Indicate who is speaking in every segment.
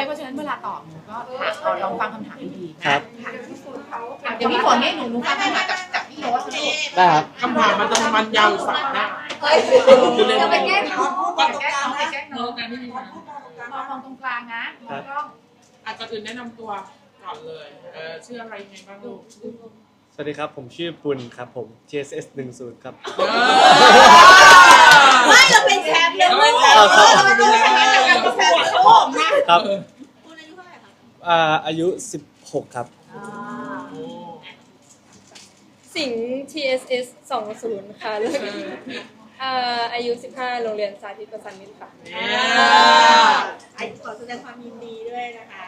Speaker 1: เลยเพราะฉะนั้นเวลาตอบหนูก็ลองฟังคำถามดีๆนะครับเดี๋ยวพี่ฝนให้หนูฟังคำถามกับพี่โรสลูก
Speaker 2: ได้ครับ
Speaker 3: คำถามมันยาวสักนะ
Speaker 1: จะไปแก้น้องไปแก้น้องไปแก้น้อง
Speaker 3: การที่มี
Speaker 1: มองตรงกลางนะมองกล้อง
Speaker 3: อาจจะอื่นแนะนำตัวก่อนเลยชื่ออะไรยังไงบ้างลูก
Speaker 2: สวัสดีครับผมชื่อปุณครับผม TSS 10ครับ
Speaker 4: ไม่เราเป็นแชมป์เลยลูก
Speaker 2: เราเป็น
Speaker 4: แชมป์จากการประกวดโลกนะครับ คุณอายุเท่าไหร่คะ
Speaker 2: อายุ16ครับ
Speaker 5: สิงห์ TSS 20ค่ะแล้วอายุ15โรงเรียนสาธิตประสานมิตรค่ะ
Speaker 4: ขอแสดงความยินดีด้วยนะคะ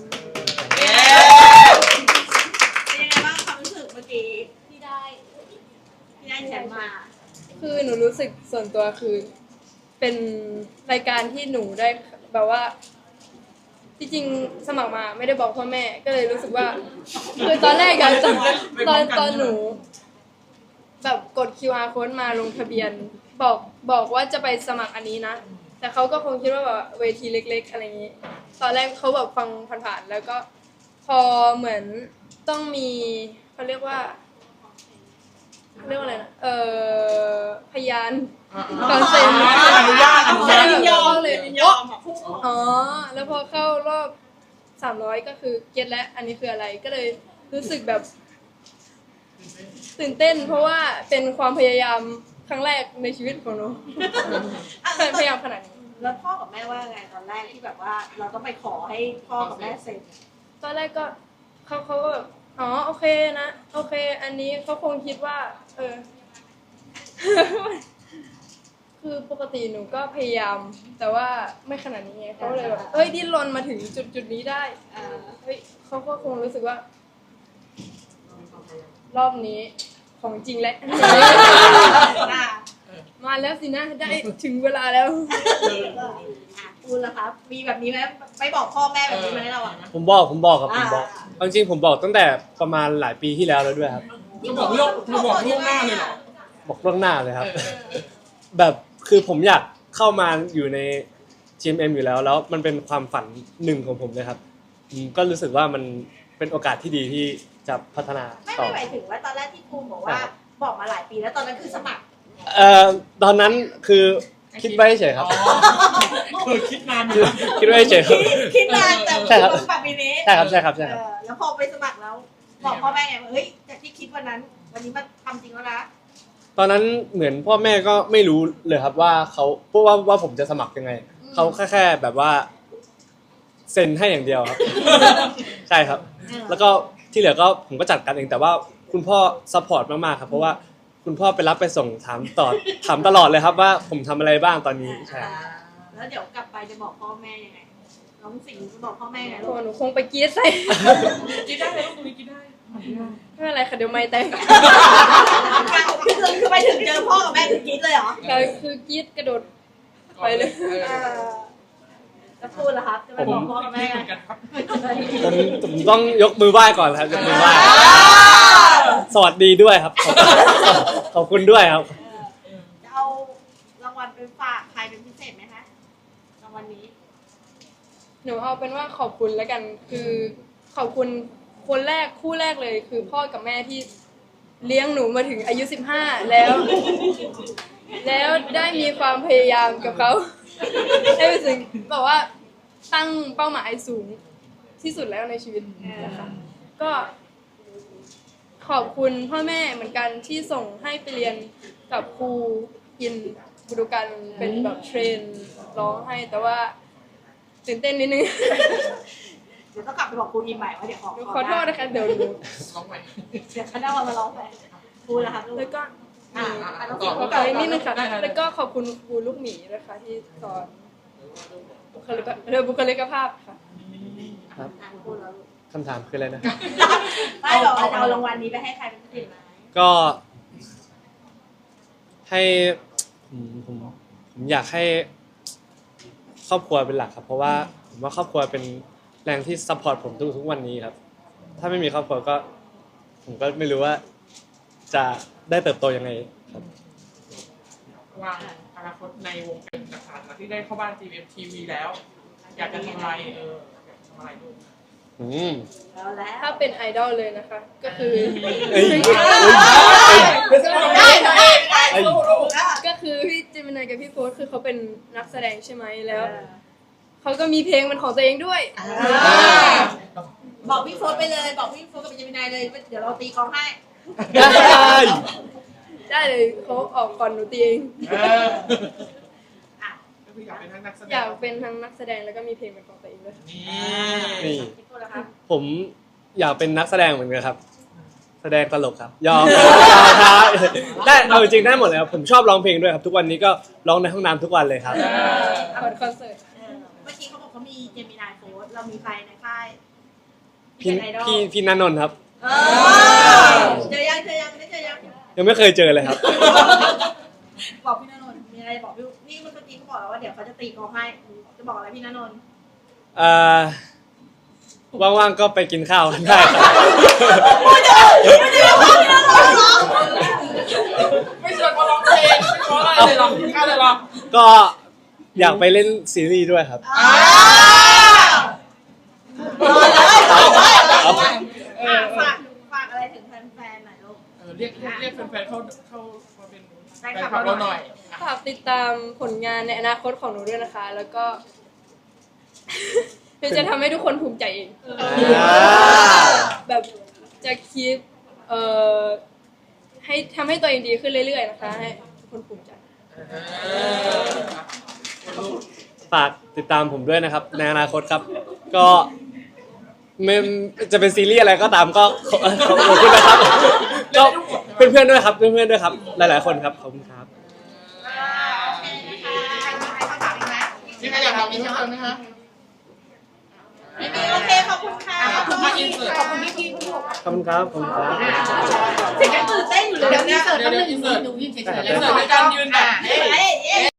Speaker 4: เป็นยังไงบ้างความรู้สึกเมื่อกี้ที่ได้แชมป์มา
Speaker 5: คือหนูรู้สึกส่วนตัวคือเป็นรายการที่หนูได้แบบว่าที่จริงสมัครมาไม่ได้บอกพ่อแม่ก็เลยรู้สึกว่าคือตอนแรกอะตอนหนูแบบกด QR code มาลงทะเบียนบอกว่าจะไปสมัครอันนี้นะแต่เขาก็คงคิดว่าแบบเวทีเล็กๆอะไรอย่างนี้ตอนแรกเขาแบบฟังผ่านๆแล้วก็พอเหมือนต้องมีเขาเรียกว่าอะไรนะพยานก่อนเซ็น
Speaker 3: อนุญาต
Speaker 4: ยินยอมเลยยินยอม
Speaker 5: อ๋อแล้วพอเข้ารอบ300ก็คือเก็ตและอันนี้คืออะไรก็เลยรู้สึกแบบตื่นเต้นเพราะว่าเป็นความพยายามครั้งแรกในชีวิตของหนูพยายามขนาดนี้
Speaker 4: แล้วพ่อกับแม่ว่าไงตอนแรกที่แบบว่าเราต้องไปขอให้พ่อกับแม่เซ็น
Speaker 5: ตอนแรกก็เขาก็แบบอ๋อโอเคนะโอเคอันนี้เขาคงคิดว่าคือปกติหนูก็พยายามแต่ว่าไม่ขนาดนี้ไงเขาเลยแบบดิ้นรนมาถึงจุดนี้ได้เขาก็คงรู้สึกว่ารอบนี้ของจริงแล้วมาแล้วสินะได้ถึงเวลาแล้ว
Speaker 4: คุณล่ะครับมีแบบนี้ไหมไม่บอกพ่อแม่แบบนี้ไหมเราอ่ะ
Speaker 2: ผมบอกครับผมบอกเอาจริงผมบอกตั้งแต่ประมาณหลายปีที่แล้วด้วยครับ
Speaker 3: จะบอกล่วงหน้าเลยเหรอ
Speaker 2: บอกล่วงหน้าเลยครับ แบบคือผมอยากเข้ามาอยู่ใน GMM อยู่แล้วมันเป็นความฝันหนึ่งของผมเลยครับผมก็รู้สึกว่ามันเป็นโอกาสที่ดีที่จะพัฒนาต่อ
Speaker 4: ไม่หมายถึงว่าตอนแรกที่ภูมิบอกว่าบอกมาหลายปีแล้วตอนนั้นคือสมัคร
Speaker 2: ตอนนั้นคือคิดไว้เฉยครับ
Speaker 3: คือคิดนานอยู่
Speaker 2: คิดไว้เฉยครับ
Speaker 4: คิดนานแต่
Speaker 2: ใช่ครับ
Speaker 4: สมัครปีนี้
Speaker 2: ใช่ครับ
Speaker 4: แล้วพอไปสมัครแล้วบอกพ่อแม่ไงว่าเฮ้ยจากที่คิดวันนั้นมันทำจริงแล้วนะ
Speaker 2: ตอนนั้นเหมือนพ่อแม่ก็ไม่รู้เลยครับว่าเขาเพราะว่าผมจะสมัครยังไงเขาแค่แบบว่าเซ็นให้อย่างเดียวครับ ใช่ครับ แล้วก็ที่เหลือก็ผมก็จัดการเองแต่ว่าคุณพ่อซัพพอร์ตมากๆครับเพราะว่าคุณพ่อไปรับไปส่งถามตลอดเลยครับว่าผมทำอะไรบ้างตอนนี้ใช่
Speaker 4: แล้วเดี๋ยวกลับไปจะบอกพ่อแม่ยังไงน้องสิงห์จะบอกพ่อแม่ไง
Speaker 5: โอ้
Speaker 4: ลูก
Speaker 5: หนูคงไปกรี๊ดใส่
Speaker 3: คิดได้เลยลูกตรงนี้คิดได้
Speaker 5: ไม่เป็นไรค่ะเดี๋ยวไม่แตก
Speaker 4: คือไปถึงเจอพ่อกับแม่คือคิดเลยเหรอ
Speaker 5: ก็คือกรี๊ดกระโดดไปเลย
Speaker 4: แล้วพูดล่ะครับจะไปบอกพ่อกับแม่
Speaker 3: เห
Speaker 4: ไง
Speaker 3: มือนกันครับ
Speaker 2: ผมต้องยกมือไหว้ก่อนครับยกมือไหว้สวัสดีด้วยครับขอบคุณด้วยครับ
Speaker 4: จะเอารางวัลไปฝากใครเป็นพิเศษไหมคะรางวัลนี้
Speaker 5: หนูเอาเป็นว่าขอบคุณแล้วกันคือขอบคุณคนแรกคู่แรกเลยคือพ่อกับแม่ที่เลี้ยงหนูมาถึงอายุ15แล้วได้มีความพยายามกับเขาได้ไปถึงแบบว่าตั้งเป้าหมายสูงที่สุดแล้วในชีวิตนะคะก็ขอบคุณพ่อแม่เหมือนกันที่ส่งให้ไปเรียนกับครูยินบุรุกันเป็นแบบเทรนร้องให้แต่ว่าตื่นเต้นนิดนึง
Speaker 4: เดี๋ยวต้องกลับไปบอกครูอินใหม่ว่าเดี๋ยว
Speaker 5: ขอโทษนะคะเดี๋ยวหนู
Speaker 3: ร้องใหม่
Speaker 4: เดี๋ยวเขาได้มาร้องไปครูล่ะครับลูก
Speaker 5: แล้วก็
Speaker 4: ต้อง
Speaker 5: ขอต่ออีกนิดนึงค่ะแล้วก็ขอบคุณครูลูกหมีนะคะที่สอนบุคลิกภาพค่ะ
Speaker 2: ครับ
Speaker 4: ครูแล้ว
Speaker 2: คำถามคืออะไรนะ
Speaker 4: ไม่หรอกเอารางวัลนี้ไปให้ใครเป็นพิเศษไหม
Speaker 2: ก็ให้ผมอยากให้ครอบครัวเป็นหลักครับเพราะว่าผมว่าครอบครัวเป็นแรงที่ซัพพอร์ตผมทุกวันนี้ครับถ้าไม่มีครอบครัวก็ผมก็ไม่รู้ว่าจะได้เติบโตยังไงครับ
Speaker 3: วางอนาคตในวงการต่างๆที่ได้เข้าบ้าน GMM TV แล้ว อยากจะทำอะไรอยทำอะไรลูก
Speaker 2: อืม
Speaker 4: เอาแล้ว
Speaker 5: ถ้าเป็นไอดอลเลยนะคะ ก็คือ
Speaker 2: เอ้ย
Speaker 1: ได้ได้
Speaker 2: เอ้ย
Speaker 5: ก็คือพี่เจมินายกับพี่โฟสคือเขาเป็นนักแสดงใช่ไหมแล้วเขาก็มีเพลงเป็นของตัวเองด้วย
Speaker 4: บอกพี่โฟสไปเลยบอกพี่โฟสกับเจมินายเลยเดี๋ยวเราตีกลองให้
Speaker 2: ได้
Speaker 5: ได้เลยเขาออกก่อนหนูตีเอง
Speaker 3: ก็คืออยากเป็นทั้งนักแสดง
Speaker 5: อยากเป็นทั้งนักแสดงแล้วก็มีเพลงเป็นของตัวเองด้วย
Speaker 3: นี่
Speaker 2: นี่
Speaker 4: พี่โฟสนะคะ
Speaker 2: ผมอยากเป็นนักแสดงเหมือนกันครับ แสดงตลกครับยอมครับได้เอาจริงๆได้หมดเลยครับผมชอบร้องเพลงด้วยครับทุกวันนี้ก็ร้องในห้องน้ำทุกวันเลยครับ
Speaker 5: เปิดคอนเสิร์ต
Speaker 4: เมื่อกี้เขาบอกเขามีเจมินายโฟสเรามีใครในค่าย
Speaker 2: พี่
Speaker 4: เป็นไอดอล
Speaker 2: พี่นันนนท์ครับ
Speaker 4: เจอยังไม่เจอยัง
Speaker 2: ยังไม่เคยเจอเลยครับ
Speaker 4: บอกพี่ณนนท์มีอะไรบอกพี่นี่เมื่อกี้เขาบอกแล้วว่าเดี๋ยวเขาจะตีกลองให้จะบอกอะไรพี่ณนนท์
Speaker 2: ว่างๆก็ไปกินข้าวกันได้ครับ
Speaker 3: ไม่ชวนเขาร้องเพลงไม่ชวนอะไรเลยหรอกข้าวเลยหรอ
Speaker 2: ก็อยากไปเล่นซีรีส์ด้วยครับ
Speaker 4: ฝากอะไรถึงแฟนๆหน่อยลูก
Speaker 3: เรียกแฟนๆเข้ามาเป็น
Speaker 4: แฟ
Speaker 3: แฟ
Speaker 4: น
Speaker 3: น
Speaker 4: คลับ
Speaker 3: คลับ
Speaker 4: เรา
Speaker 3: เรา
Speaker 4: ห
Speaker 3: ห
Speaker 4: น่
Speaker 3: น่
Speaker 4: อ
Speaker 3: อย ย
Speaker 5: ฝากติดตามผลงานในอนาคตของหนูด้วยนะคะ แล้วก็ เพื่อจะทำให้ทุกคนภูมิใจเอง แบบจะคิดให้ทำให้ตัวเองดีขึ้นเรื่อยๆนะคะ ให้ทุกคนภูมิใจ
Speaker 2: ฝากติดตามผมด้วยนะครับในอนาคตครับ ก็ไม่จะเป็นซีรีส์อะไรก็ตามก็ขอบคุณนะครับก็เพื่อนๆด้วยครับเพื่อนๆด้วยครับ หลายๆคนครับขอบคุณครับ
Speaker 3: มีใครอยากถามอีกเพิ่มเติมไหมคะ
Speaker 4: ไม่มีโอเคขอบคุณค่ะ
Speaker 3: ขอบคุณมากอินเสิร์ต
Speaker 1: ขอบคุณพี่ๆทุกคน
Speaker 2: ขอบคุณครับขอบคุณครับ
Speaker 4: เสียงยังตื่นเต้นอยู่เลย
Speaker 1: เดี๋ยวนี้เสิร์ฟ
Speaker 3: เดี๋ยว
Speaker 1: แป๊บนึง
Speaker 3: อินเสิร์ต
Speaker 1: หนูยืนเฉยๆ
Speaker 3: อินเสิร์ตในการยืนแบบ